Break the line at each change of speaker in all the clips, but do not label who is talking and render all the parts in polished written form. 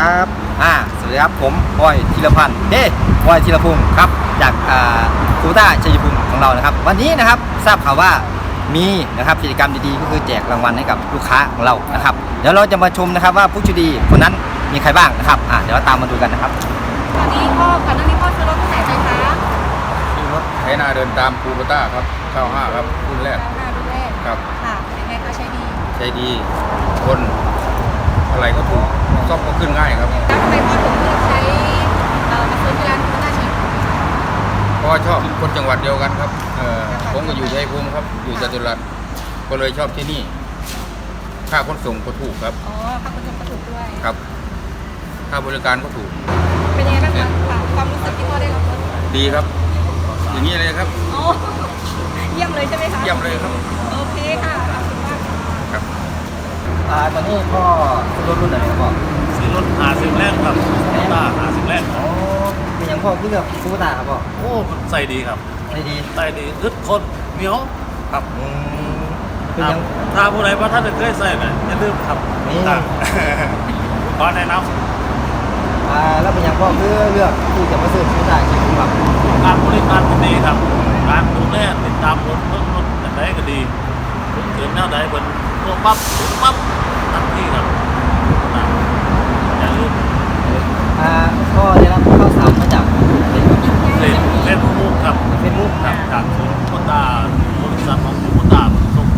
ครับสวัสดีครับผมบอยธีรพันธ์บอยธีรพงศ์ครับจากคูต้าชัยภูมิของเรานะครับวันนี้นะครับทราบข่าวว่ามีนะครับกิจกรรมดีๆก็คือแจกรางวัลให้กับลูกค้าของเรานะครับเดี๋ยวเราจะมาชมนะครับว่าผู้โชคดีคนนั้นมีใครบ้างนะครับเดี๋ยวเราตามมาดูกันนะครับ
ตอนนี้ก่อนหน้านี้พ่อซื้อรถที่ไหนไปคะ
ซื้อรถไถนาเดินตามคูโบต้าครับ95ครับรุ่นแรก
รุ่นแรก
ครับ
ค่ะเป็นไงคะใช้ดี
คนอะไรก็ถูกซ่อมก็ขึ้นง่ายครับ
แล้วทำไมพ่อถึงเลือกใช้มาซื้อที่ร้านคูโบต้าชีพ
เพราะว่าชอบคนจังหวัดเดียวกันครับผมก็อยู่ชัยภูมิครับอยู่จตุรัสก็เลยชอบที่นี่ค่าขนส่งก็ถูกครับ
ค่าขนส่งก็ถูกด้วย
ครับค่าบริการก็ถูก
เป็นยังไงบ้างคะความรู้สึกที่พ่อได้รับรถ
ดีครับอย่างนี้เลยครับ
เยี่ยมเลยใช่ไหมคะ
เยี่ยมเลยครับ
โอเคค่ะขอบคุณมาก
ครับ
ตอนนี้พ่อซื้อรถรุ่นไหนครับพ่อ
ซื้อรถ50แรกครับคูโบต้า50แรก
เป็นอย่างพ่อเลือกคูโบต้าครับพ่อ
โอ้ใส่ดีครับใส่ดีอึดคนเหนียวครับ
เป็นอย่าง
ถ้าผู้ใดว่าท่านเคยใส่เนี่ยอย่าลืมครับ
นี่
ขอแนะน
ำแล้วเป็นอย่างพ่อเลือกที่จะมาซื้อคูโบต้าใช่ไหมครับ
การบริการที่ดีครับการดูแลติดตามรถแต่ไหนก็ดีเกิดแนวใดเป็นตัวปั๊บทันทีครับอย่าลืม
พ่อได้รับข้าวสารมาจาก
เฟซบุ๊กครับจากศูนย์คูโบต้าบริษัทของคูโบต้าส่งไป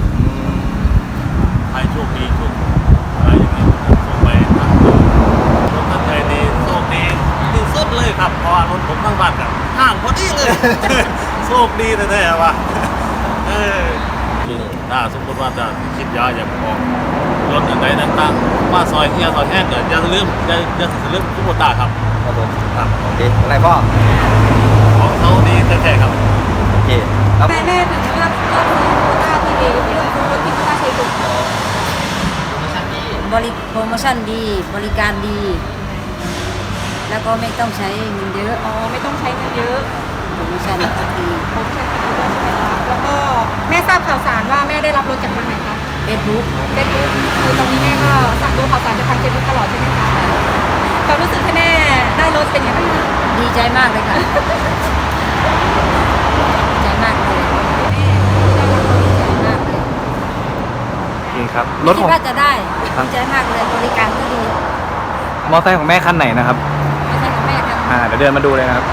ให้โชคดีทุกอะไรอย่างเงี้ยส่งไปทั้งรถทั้งใจดีโชคดีที่สุดเลยครับเพราะว่ารถผมทั้งบ้านครับห่างพอดีเลยโชคดีแท้ๆว่ะถ้าสมมติว่าจะคิดยาอยากออกรถอย่างไรต่างๆว่าซอยเฮียซอยแห้งเกิดอย่าลืมคูโบต้าครับ
ผมครับโอเคอะไรพ่อ
ของเขาดีแท้ๆครับ
โอเค
แม่ถึงเลือกคูโบต้าที่ดีเลือกรถที่คูโบต้าใช้ถูก
โปรโมชั่นดีบริการดี แล้วก็ไม่ต้องใช้เงินเยอะ
ไม่ต้องใช้เงินเยอะ
โปรโมชั่นดี
แล้วก็แม่ทราบข่าวสารว่าแม่ได้รับรถจากทางไหนคะ
เฟซบุ๊ก
คือตอนนี้แม่ก็สั่งดูข่าวสารจากทางเฟซบุ๊กตลอดใช่ไหมคะความรู้สึกที่แม่ได้รถเป็นยังไงบ้าง
ดีใจมากเลยค่ะดีใจมากเลย
นี่ครับรถของ
คิดว่าจะได้ดีใจมากเลยบริการก็ดี
มอเตอร์ไซค์ของแม่คันไหนนะครับ
มอเตอร์ไซค์ของแม่คัน
เดี๋ยวเดินมาดูเลยนะครับ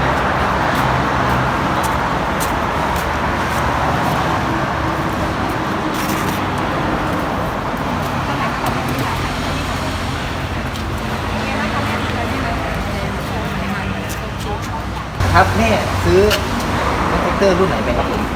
ครับแม่ซื้อรถแท็กเตอร์รุ่นไหนไปครับผม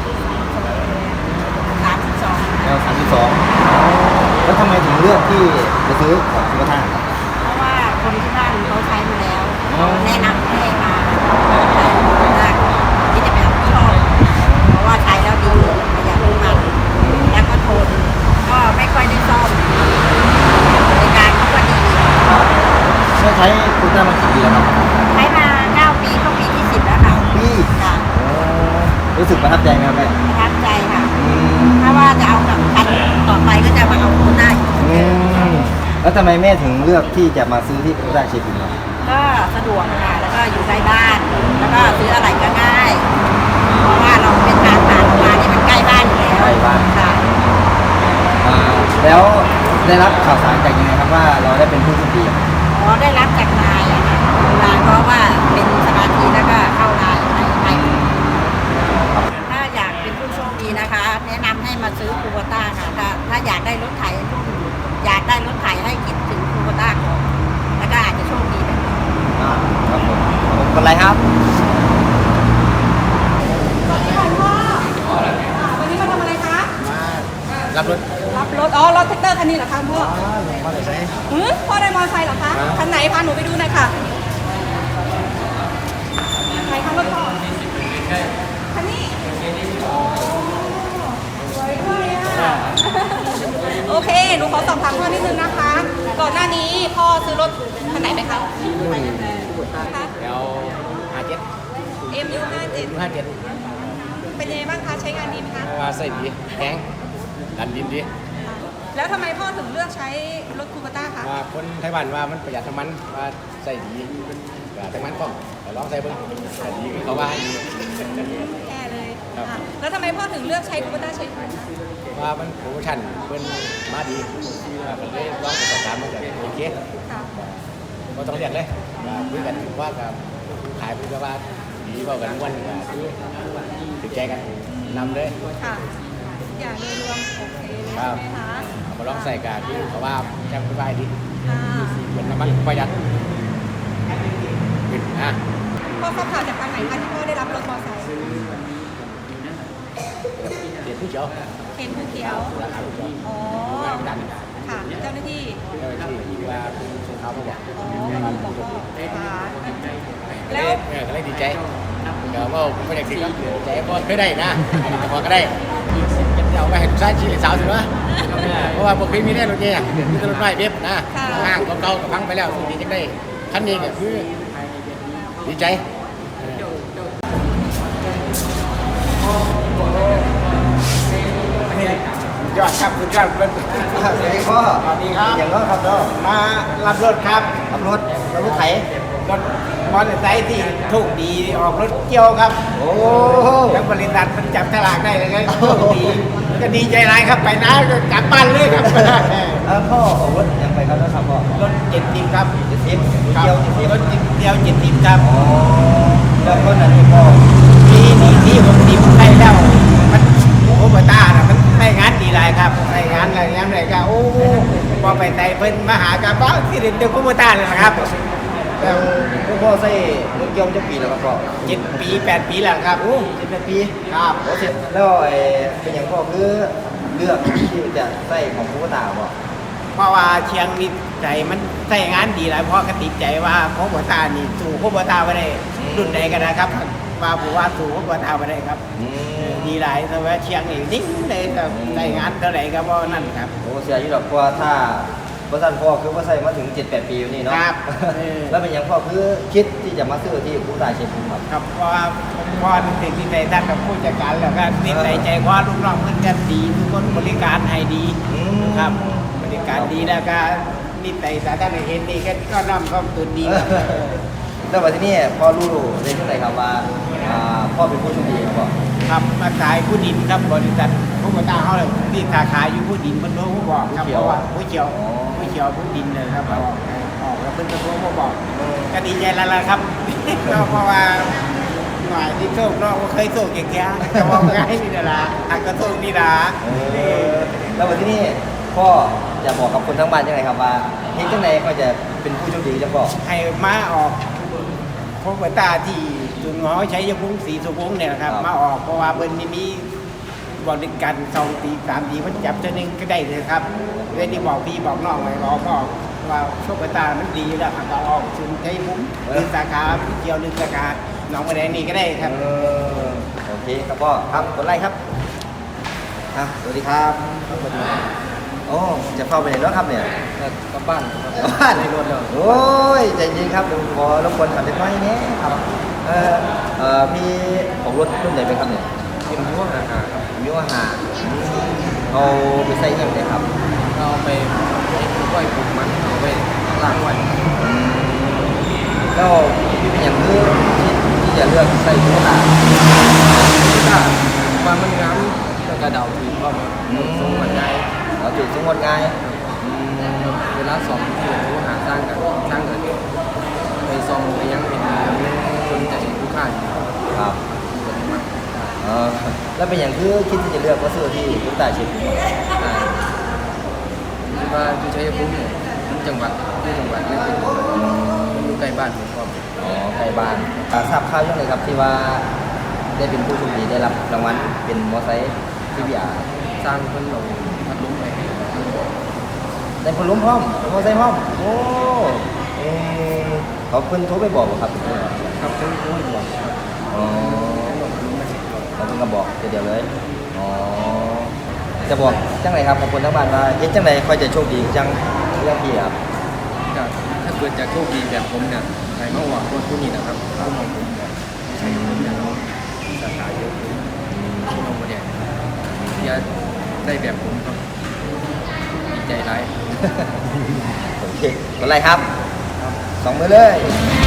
32
L32แล้วทำไมถึงเลือกที่จะซื้อของคูโบต้าครับ
เพราะว่าคนที่บ้านเขาใช้มาแล้วแนะนำให้มาใช้คูโบต้าที่จะเป็นชอบเพราะว่าใช้แล้วดีประหยัดน้ำมันแล้วก็ทนก็ไม่ค่อยได้ซ่อมบริการเขาก็ดี
ใช้คูโบต้ามากี่ปีแล้วครับ
ใช้มา9 ปีเข้าปีที่10แล้วค่ะ
ปี
ค่ะ
รู้สึกประทับใจไหมครับแม่
ประทับใจค่ะถ้าว่าจะเอากับคันต่อไปก็จะมาเอาคูโบต้าอีก
แล้วทำไมแม่ถึงเลือกที่จะมาซื้อที่คูโบต้าเชฟครับ
ก็สะดวกค่ะแล้วก็อยู่ใกล้บ้านแล้วก็ซื้ออะไรก็ง่ายเพราะว่าเราเป็นทางผ่านมานี่มันใกล้บ้านอยู่แล้ว
ใกล้บ้าน
ค่ะ
แล้วได้รับข่าวสารจากยังไงครับว่าเราได้เป็นผู้โชคดี
ได้รับจากนายอะค่ะนายเพราะว่าเป็นสมาชิกแล้วก็เข้านายให้ถ้าอยากเป็นผู้โชคดีนะคะแนะนำให้มาซื้อคูโบต้าค่ะถ้าอยากได้รถไถให้คิดถึงคูโบต้าก่อนแล้วก็อาจจะโชคดีแบบนี้
ครับผมกดไลค์ครับ
สวัสดีค่ะพ่อวันนี้มาทำอะไรคะ
รับรถ
รถแท็กเตอร์คันนี้เหรอคะพ่อ
พ่อได้ใช้
พ่อได้มอเตอร์ไซค์เหรอคะคันไหนพาหนูไปดูหน่อยค่ะไหนคะรถพ่อคันนี้สวยด้วยอ่ะโอเคหนูขอสอบถามพ่อนิดนึงนะคะก่อนหน้านี้พ่อซื้อรถคันไหนไปคะMU57เป็นยังไงบ้างคะใช้งานดีไหมคะ
ใส่ดีแข็งดันดินดี
แล้วทำไมพ่อถึงเลือกใช้รถคูปต้าคะ
ว่าคนไต้หวันว่ามันประหยัดน้ำมันว่าใส่ดีประหยัดน้ำมันก็ลองใส่เบิ่งใส่ดีเขาว่าให้ดี
แย่เลย
ครับ
อ่ะแล้วทำไมพ่อถึงเลือกใช้คูปต้าใช้ภูมิคะ
ว่ามันโปรโมชั่นเพิ่นมาดีก็เลยลองไปสอบถามมันก็โอเค
ค่ะ
ก็ต้องเรียกเลยคุยกันว่ากับขายพูดว่าดีกว่ากันวันก็คือติดใจกันนำเลย
ค่ะทุกอย่างโดยรวมโอเคเลย
ครั
ใช่
บ
ไหมคะ
เอามาลองใส่กันคือเขาว่าแจ่มสบายดี
ค่ะ
เป็นน้ำมันประหยัดอ่ะ
พ่อทราบข่าวจากทางไหนคะที่พ่อได้รับรถมอเตอร์ไซค์
เดี๋ยวผู้เชี่ยว
เห็นภูเขียว
ราคาผู้เชี่ยว
อ๋อ
ดัน
ค่ะเจ้าหน้าที่
เจ้าหน้าที่ว่าเขามาบอก
อ๋อบอกพ่อค่ะ
แล้
แล้ว ว
ก็เลยดีใจเดี๋ยวว่าผมไม่อยากสิครับใจก็เคยได้นะแต่พอก็ได้จะเอาไปให้ลูกชายชี้หรือสาวสิวะเพราะว่าผมเคยมีได้รถเนี่ยมีรถไฟเว็บนะห้างเก่าๆก็พังไปแล้วสุดนี้จะได้คันนี้ก็คือดีใจยอดครับคุณครับ
สวัสดีพ่อ
สวัสดีครับ
อย่างน้อยครับเนาะ
มารับรถครับ
ขับรถไถ
รถมอเตอร์ไซค์ที่โชคดีออกรถเกี่ยวครับ
โอ้
ทั้งบริษัทมันจับฉลากได้เลยครับโชคดีก็ดีใจร้ายครับไปนะก็กลับบ้านเลยครับ
พ่อออกรถยังไปครับนะครับพ่อ
รถ70ครับ
70เกี่ยว70
รถเกี่ยว70ครับ
อ๋อแล้วคนอันนี้พ่อ
ที่60ได้แล้วมันโอ้โหตาน่ะมันได้งานดีหลายครับได้งานอะไรงานอะไรก็โอ้พอไปไต่เพิ่นมาหากันบ้าที่เรียนเดียวกับโมตาเลยนะครับ
แล้วพ่อใส่รถเกี่ยวจะปีแล้วครับพ่อ
7 ปี 8 ปีแล้วครับ
โอ้18ปี
ครับ
โอ้เสร็จแล้วเป็นอย่างพ่อคือเลือกที่จะใส่ของผู้ตาบ่
เพราะว่าเชียงนี่ใจมันใส่งานดีหลายเพราะกติดใจว่าโคบตานี่สู่โคบตาไปได้รุ่นใดก็ได้ครับว่าผมว่าสู่โคบตาไปได้ครับ
อืม
ดีหลายแต่ว่าเชียงนี่นิ่งเลยครับใส่งานเท่าไหร่ก็เพราะนั่นครับ
โอ้เสียอยู่ดอกเพราะว่าถ้าบ่ทันพ่อคือว่าใส่มาถึง 7-8 ปีอยู่นี่เนาะ
ครับ
แล้วเป็นอย่างพ่อคือคิดที่จะมาซื้อที่ผู้ตาเชียงภูมิครับ
ครับเพราะว่าผมพอติดที่ใจท่านกับผู้จัดการแล้วก็นิสัยใจคว้าลูกน้องมันจะดีทุกคนบริการให้ดี
อืม
ครับบริการดีแล้วก็นิสัยสาธารณเห็นดีก็น้อมเข้าตุนดีครับ
แล้ววันที่นี่พ่อรู้ได้ที่ไหนครับว่าพ่อเป็นผู้โชคดีครับพ่อ
ครับมาขายผู้ดินครับบริษัทผู้ก่อตั้งเขาเลยที่สาขาอยู่ผู้ดินบนโลกผู้บอกครับเพราะว่าผู้เขียวผู้เขียวผู้ดินเลยครับออกแล้วเป็นตะโกนผู้บอกก็ดีใจแล้วล่ะครับ ก็เพราะว่าหน่อยที่โชคเนาะว่าเคยโชคอย่างเงี้ยก็มองง่ายนี่นะอาจก็โชคนี่นะ
แล้ววันที่นี่พ่อจะบอกกับคนทั้งบ้านยังไงครับว่าเห็นจังไหนก็จะเป็นผู้โชคดีจังพ่อ
ให้มาออกผู้ก่อตั้งที่จุนหอใช้ยาพุ่งสีสุพงเนี่ยนะครับมาออกเพราะว่าเบิ้ลนี่มี บริการ2 ปี3 ปีมันจับเท่านึงก็ได้เลยครับเรื่องที่บอกพี่บอกน้องไว้บอกก็ว่าโชคตามันดีแล้วครับก็ออกชุนใช้มุ้งหรือสาขาเกี่ยวหรือสาขาหนองบัวแดงนี่ก็ได้ครับ
โอเคครับพ่อครับกดไลค์ครับสวัสดีครับโอ้จะเข้าไปไหนแล้วครับเนี่ย
กลับบ้าน
บ้านในรถเลยโอ้ยใจเย็นครับผมขอรบกวนขับเล็กน้อยนี้ครับพี่ของรถรุ่นไหนเป็นครับเนี่ย
เป็นพวกอาหารครับ
มิวหาเอาไปใส่ยังไงครับ
เราไปไหว้ปลูกมันเอาไปล้างไว้
แล้วพี่เป็นอย่างคือที่จะเลือกใส่มิวหา
ถ้าว่ามันงามแล้วก็เดาถือเข้ามาทรงมันง่าย
เราจุดสมมติง่าย
เวลาซ้อมที่ผู้หาสร้างกันไปซ้อมไปยังเป็นคนใจผู้ค่า
ครับแล้วเป็นอย่างคือคิดที่จะเลือกว่าซื้อที่พุทธาชิต
คิดว่าอยู่ชัยภูมิเนี่ยจังหวัดที่จังหวัดนั่นเป็นอยู่ใกล้บ้านผมก็
อ๋อใกล้บ้านทราบข่าวยังไงครับที่ว่าได้เป็นผู้โชคดีได้รับรางวัลเป็นมอไซค์ที่พี่อา
สร้างคนเราพัดลมไป
ได้คนล้มพร้อมมอไซค์พร้อมโอ้เขาเพิ่นโทรไปบอกบ่ครับ
ครับคนคนบอก
อ๋อเราเพิ่งก็บอกเดียวเลยอ๋อจะบอกจังไรครับขอบคุณทั้งบ้านว่าเฮ็ดจังไรค่อยจะโชคดีจังเรื่องพี่ครับ
ถ้าเกิดจะโชคดีแบบผมเนี่ยใครมาหวังคนผู้นี้นะครับผู้มองผมเนี่ยใช้ผมเนี่ยสาขาเยอะที่น้องประเดี๋ยวจะได้แบบผมครับ
ใจร้าย
โอเคกดไลค์ครับสองมือเลย